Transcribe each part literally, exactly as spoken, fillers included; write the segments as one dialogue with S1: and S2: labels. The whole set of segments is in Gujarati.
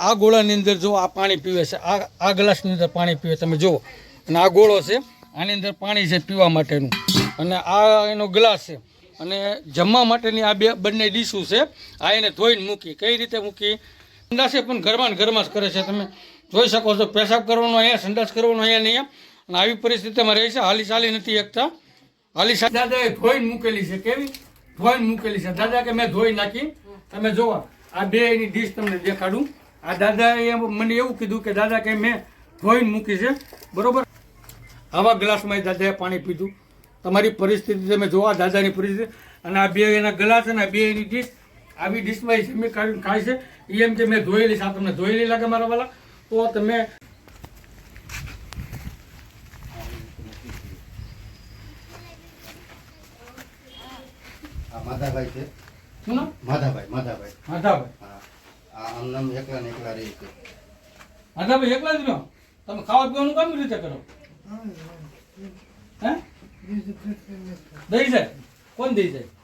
S1: આ ગોળાની અંદર જો આ પાણી પીવે છે, આ આ ગ્લાસની અંદર પાણી પીવે તમે જુઓ, અને આ ગોળો છે આની અંદર પાણી છે પીવા માટેનું, અને આ એનો ગ્લાસ છે, અને જમવા માટેની આ બે બંને ડીશું છે. આ એને ધોઈને મૂકી, કઈ રીતે મૂકી, સંડાસ પણ ઘરમાં ને ઘરમાં જ કરે છે. તમે જોઈ શકો છો, પેશાબ કરવાનો અહીંયા, સંડાસ કરવાનો અહીંયા નહીં, અને આવી પરિસ્થિતિમાં રહે છે. હાલી ચાલી નથી એકતા, હાલી ચાલી દાદાએ ધોઈને મૂકેલી છે. કેવી ધોઈને મૂકેલી છે દાદા, કે મેં ધોઈ નાખી. તમે જોવા આ બે એની ડીશ તમને દેખાડું. આ દાદાએ મને એવું કીધું કે દાદા કે મેં ધોઈને મૂકી છે, બરોબર. આવા ગ્લાસમાં દાદાએ પાણી પીધું. તમારી પરિસ્થિતિ તમે જોવા, દાદાની પરિસ્થિતિ, અને આ બે એના ગ્લાસ અને આ બે એની ડીશ, આવી ડીશમાં એ જમી કાઢીને ખાય છે. એ એમ કે મેં ધોયેલી છે. આ તમને ધોયેલી લાગે મારા વાલા? તો તમે
S2: માધાભાઈ છે.
S1: શું નામ?
S2: માધાભાઈ. માધાભાઈ
S1: માધાભાઈ.
S2: હા, આ આમ નામ એકલા ને એકલા રહે છે.
S1: માધાભાઈ એકલા જ રહ્યો? તમે ખાવા પીવાનું કેમ રીતે કરો? હે દઈ જાય? કોણ દઈ જાય?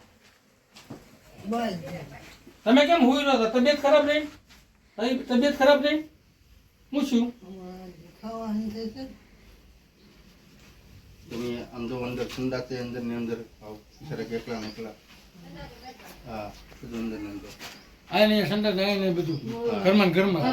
S1: તમે કેમ હુઈ રહ્યો હતા? તબિયત ખરાબ રહી? તબિયત ખરાબ રહી? હું શું
S2: તમે આમ જો અંદર સંડાસ અંદર ની અંદર સરક એકલા ને એકલા. હા, બધું અંદર ને અંદર.
S1: આ નહીં સંડાસ આ નહીં બધું ઘરમાં ઘરમાં.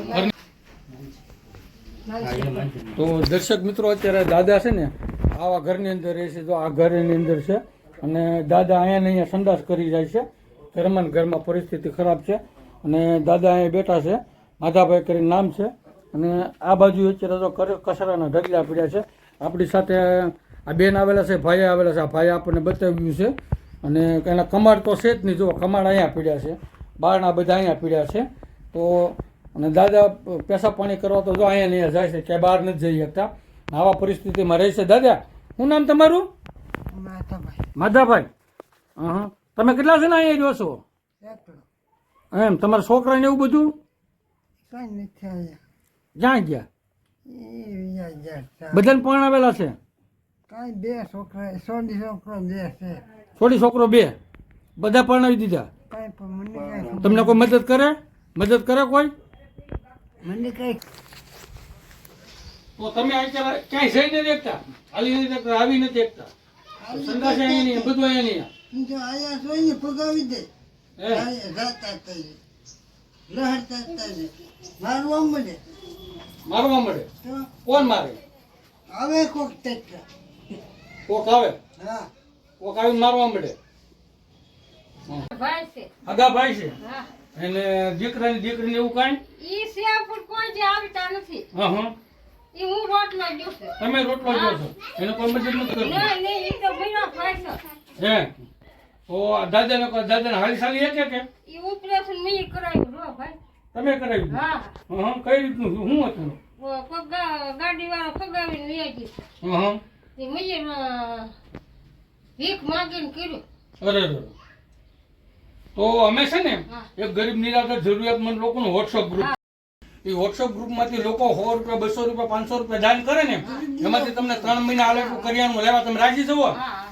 S1: તો દર્શક મિત્રો, અત્યારે દાદા છે ને આવા ઘરની અંદર રહે છે. જો આ ઘરની અંદર છે, અને દાદા અહીંયા ને અહીંયા સંડાસ કરી જાય છે. ઘરમાં ને ઘરમાં પરિસ્થિતિ ખરાબ છે, અને દાદા અહીંયા બેઠા છે. માધાભાઈ કરીને નામ છે. અને આ બાજુ અત્યારે તો કચરાના ઢગલા પડ્યા છે. આપણી સાથે આ બેન આવેલા છે, ભાઈ આવેલા છે. આ ભાઈ આપણને બતાવ્યું છે, અને એના કમાડ તો છે જ નહીં. જો કમાડ અહીંયા પીડ્યા છે, બારના બધા અહીંયા પીડ્યા છે. તો અને દાદા પેશાબ પાણી કરવા તો જો અહીંયા નહીં જાય છે, ક્યાંય બહાર નથી જઈ શકતા. આવા પરિસ્થિતિમાં રહે છે. દાદા, શું નામ તમારું?
S3: માધાભાઈ.
S1: માધાભાઈ. હા, તમે કેટલા જણા અહીંયા રહ્યો છો? એમ તમારા છોકરાને એવું બધું
S3: કઈ નથી આવ્યા.
S1: ક્યાં ગયા?
S3: એ ગયા.
S1: બધાને પરણાવેલા છે?
S3: કઈ બે છોકરા, સોની છોકરો બે છે.
S1: છોડી છોકરો બે? બધા પરણાવી દીધા?
S3: કઈ પણ મને કઈ
S1: તમને કોઈ મદદ કરે? મદદ કરે કોઈ?
S3: મને કઈ.
S1: તો તમે અત્યારે ક્યાંય જઈ નથી એકતા, હાલી નથી એકતા, આવી નથી એકતા, સંદાસ અહીંયા નહીં, બધું અહીંયા નહીં.
S3: જો આયા જોઈને પગાવી દે.
S1: હે?
S3: રાતા તઈ લહરતા તઈ મારવા મળે.
S1: મારવા મળે?
S3: તો
S1: કોણ મારે?
S3: આવે કોક ટેકા.
S1: કોક આવે?
S3: હા,
S1: કોક આવીને મારવા મળે?
S4: ભાઈ છે.
S1: હગા ભાઈ છે?
S4: હા.
S1: એને દીકરાની દીકરીને એવું કાંઈ?
S4: ઈ સિયા પણ કોઈ જે આવતા નથી.
S1: હા હા.
S4: ઈ હું રોટલો દઉં છું.
S1: તમે રોટલો જો છો, એને કોઈ મદદ નથી કરતું?
S4: નહીં નહીં, ઈ તો બીનો પૈસો.
S1: હે? તો આ દાદાને કહો, દાદાને હાલી સાલી એક કે
S4: ઈ ઓપરેશન મેં કરાવ્યું રો ભાઈ.
S1: તમે કરાવ્યું?
S4: હા.
S1: હા હા. કઈ રીતનું શું શું હતું?
S4: ઓ પગા ગાડી વાળો પગાવીને લઈ ગઈ.
S1: હા હા.
S4: તે મેં ભીખ માંગીને કર્યું.
S1: અરે અરે. તો અમે છે ને
S4: હા.
S1: એક ગરીબ નિરાધાર જરૂરિયાતમંદ લોકોનું વોટ્સઅપ ગ્રુપ, એ વોટ્સઅપ ગ્રુપમાંથી લોકો સો રૂપિયા, બસો રૂપિયા, પાંચસો રૂપિયા દાન કરે ને, એમાંથી તમને ત્રણ મહિના હાલે કરિયાણું લેવા તમે રાજી જવો?
S4: હા